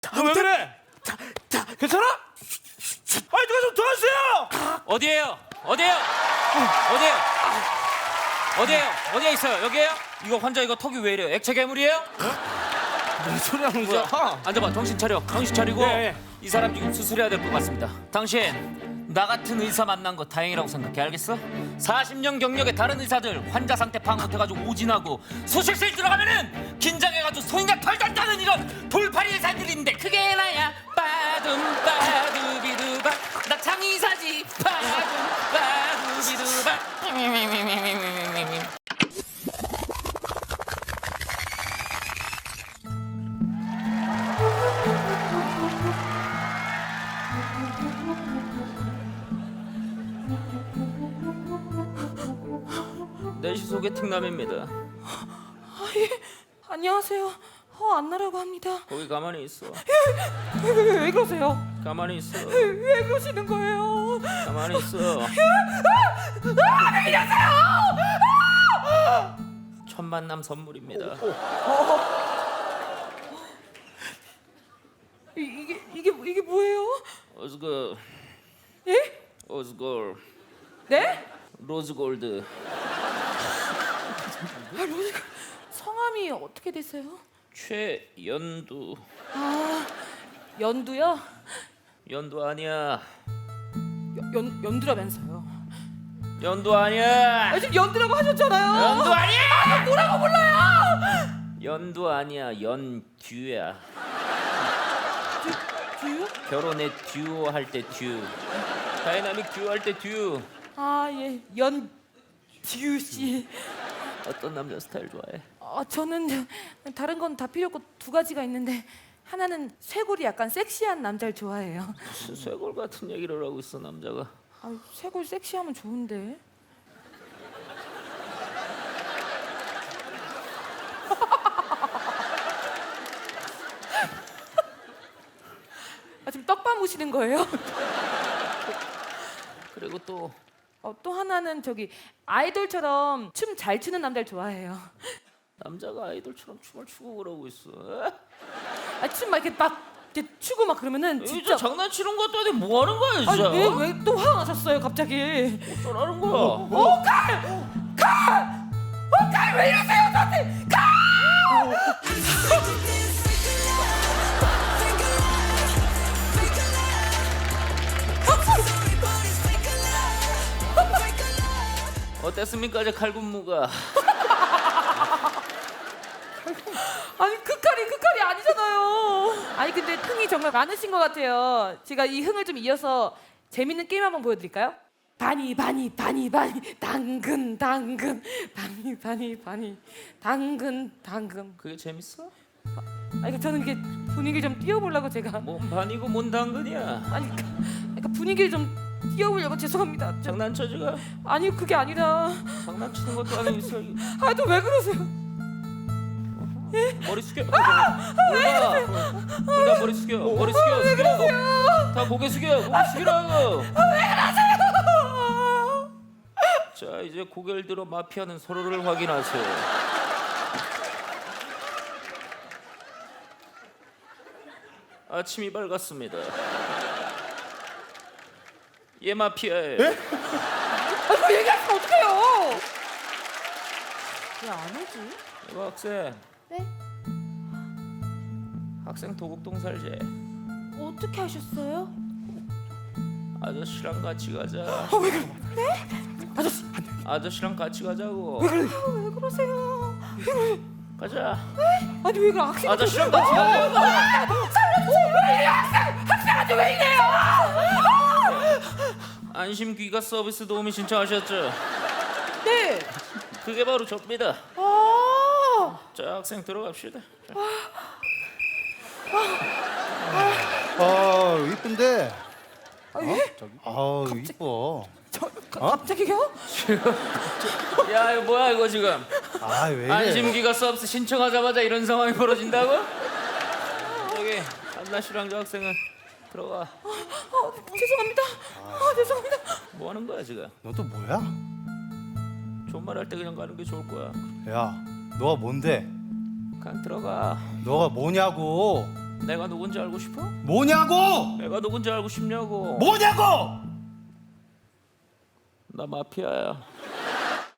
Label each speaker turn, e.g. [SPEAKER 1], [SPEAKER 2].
[SPEAKER 1] 너 왜 그래? 괜찮아? 아니 누가 좀 도와주세요.
[SPEAKER 2] 어디에요? 어디에요? 어디에요? 어디에요? 어디에 있어요? 여기에요? 이거 환자 이거 턱이 왜 이래요? 액체 괴물이에요?
[SPEAKER 1] 무슨 소리 하는
[SPEAKER 2] 자,
[SPEAKER 1] 거야?
[SPEAKER 2] 앉아봐. 정신 차려. 정신 차리고
[SPEAKER 1] 예.
[SPEAKER 2] 이 사람 지금 수술해야 될 것 같습니다. 당신 나 같은 의사 만난 거 다행이라고 생각해. 알겠어? 40년 경력의 다른 의사들 환자 상태 파악 못해가지고 오진하고 수술실 들어가면은 긴장해가지고 손이나 털 따는 이런 돌팔이 의사들이 있는데 그게 나야. 빠둠 빠두비두바 나 장의사지. 빠둠 빠두비두바. 내시 소개팅남입니다.
[SPEAKER 3] 안녕하세요. 안나라고 합니다.
[SPEAKER 2] 거기 가만히 있어.
[SPEAKER 3] 왜 그러세요?
[SPEAKER 2] 가만히 있어.
[SPEAKER 3] 왜 그러시는 거예요?
[SPEAKER 2] 가만히 있어. 첫 만남 선물입니다.
[SPEAKER 3] 이게 뭐예요?
[SPEAKER 2] 어즈걸,
[SPEAKER 3] 예?
[SPEAKER 2] 어즈걸,
[SPEAKER 3] 네?
[SPEAKER 2] 로즈골드.
[SPEAKER 3] 성함이 어떻게 되세요?
[SPEAKER 2] 최연두.
[SPEAKER 3] 연두요?
[SPEAKER 2] 연두 아니야.
[SPEAKER 3] 연두라면서요.
[SPEAKER 2] 연두 아니야.
[SPEAKER 3] 지금 연두라고 하셨잖아요.
[SPEAKER 2] 연두 아니야.
[SPEAKER 3] 뭐라고 불러요?
[SPEAKER 2] 연두 아니야. 연듀야.
[SPEAKER 3] 두요?
[SPEAKER 2] 결혼에 듀오 할 때 듀. 다이나믹 듀오 할 때 듀.
[SPEAKER 3] 예. 연듀 씨.
[SPEAKER 2] 어떤 남자 스타일 좋아해?
[SPEAKER 3] 저는 다른 건 다 필요 없고 두 가지가 있는데 하나는 쇄골이 약간 섹시한 남자를 좋아해요.
[SPEAKER 2] 무슨 쇄골 같은 얘기를 하고 있어 남자가.
[SPEAKER 3] 쇄골 섹시하면 좋은데. 지금 떡밥 무시는 거예요?
[SPEAKER 2] 그리고 또
[SPEAKER 3] 또 하나는 저기 아이돌처럼 춤 잘 추는 남자를 좋아해요.
[SPEAKER 2] 남자가 아이돌처럼 춤을 추고 그러고 있어.
[SPEAKER 3] 춤 막 이렇게 추고 막 그러면은
[SPEAKER 2] 진짜
[SPEAKER 3] 진짜.
[SPEAKER 2] 장난치는 것도 아니고 뭐 하는 거야 진짜?
[SPEAKER 3] 왜 또 화가 나셨어요 갑자기?
[SPEAKER 2] 어쩌라는 거야?
[SPEAKER 3] 칼 왜 이러세요 저한테?
[SPEAKER 2] 어땠습니까 제 칼군무가?
[SPEAKER 3] 그 칼이 아니잖아요. 근데 흥이 정말 많으신 것 같아요. 제가 이 흥을 좀 이어서 재밌는 게임 한번 보여드릴까요? 바니 당근 당근.
[SPEAKER 2] 그게 재밌어?
[SPEAKER 3] 저는 이게 분위기 좀 띄워보려고 제가.
[SPEAKER 2] 뭔 반이고 뭔 당근이야?
[SPEAKER 3] 그러니까 분위기를 좀 띄워보려고. 죄송합니다.
[SPEAKER 2] 장난쳐 지금?
[SPEAKER 3] 그게 아니라.
[SPEAKER 2] 장난치는 것도 아니고 있어.
[SPEAKER 3] 또 왜 그러세요?
[SPEAKER 2] 머리 숙여. 몰라. 둘다 머리 숙여. 머리 숙여.
[SPEAKER 3] 왜 그러세요?
[SPEAKER 2] 다 고개 숙여. 고개 숙이라고.
[SPEAKER 3] 왜 그러세요?
[SPEAKER 2] 자 이제 고개를 들어 마피아는 서로를 확인하세요. 아침이 밝았습니다. 얘 마피아예요.
[SPEAKER 3] 그거 얘기하시면 어떡해요? 왜 안 오지?
[SPEAKER 2] 이거 학생.
[SPEAKER 3] 네?
[SPEAKER 2] 학생 도곡동 살제.
[SPEAKER 3] 어떻게 하셨어요?
[SPEAKER 2] 아저씨랑 같이 가자.
[SPEAKER 3] 왜 그래? 네? 아저씨.
[SPEAKER 2] 아저씨랑 같이 가자고.
[SPEAKER 3] 왜 그러세요?
[SPEAKER 2] 가자.
[SPEAKER 3] 왜 그래? 학생.
[SPEAKER 2] 아저씨랑 같이 가자고.
[SPEAKER 3] 살려주세요. 왜 이래 학생한테 왜 이래요?
[SPEAKER 2] 안심 귀가 서비스 도우미 신청하셨죠?
[SPEAKER 3] 네.
[SPEAKER 2] 그게 바로 접니다. 자 학생 들어갑시다. 자.
[SPEAKER 4] 이쁜데.
[SPEAKER 3] 예?
[SPEAKER 4] 이뻐.
[SPEAKER 3] 갑자기요?
[SPEAKER 2] 야 이거 뭐야 이거 지금?
[SPEAKER 4] 왜 이래?
[SPEAKER 2] 안심기가 서비스 신청하자마자 이런 상황이 벌어진다고? 여기 안나 씨랑 저 학생은 들어가.
[SPEAKER 3] 죄송합니다. 죄송합니다.
[SPEAKER 2] 뭐 하는 거야 지금?
[SPEAKER 4] 너 또 뭐야?
[SPEAKER 2] 존말할 때 그냥 가는 게 좋을 거야.
[SPEAKER 4] 야, 너가 뭔데?
[SPEAKER 2] 그냥 들어가.
[SPEAKER 4] 너가 뭐냐고?
[SPEAKER 2] 내가 누군지 알고 싶어?
[SPEAKER 1] 뭐냐고?
[SPEAKER 2] 내가 누군지 알고 싶냐고.
[SPEAKER 1] 뭐냐고?
[SPEAKER 2] 나 마피아야.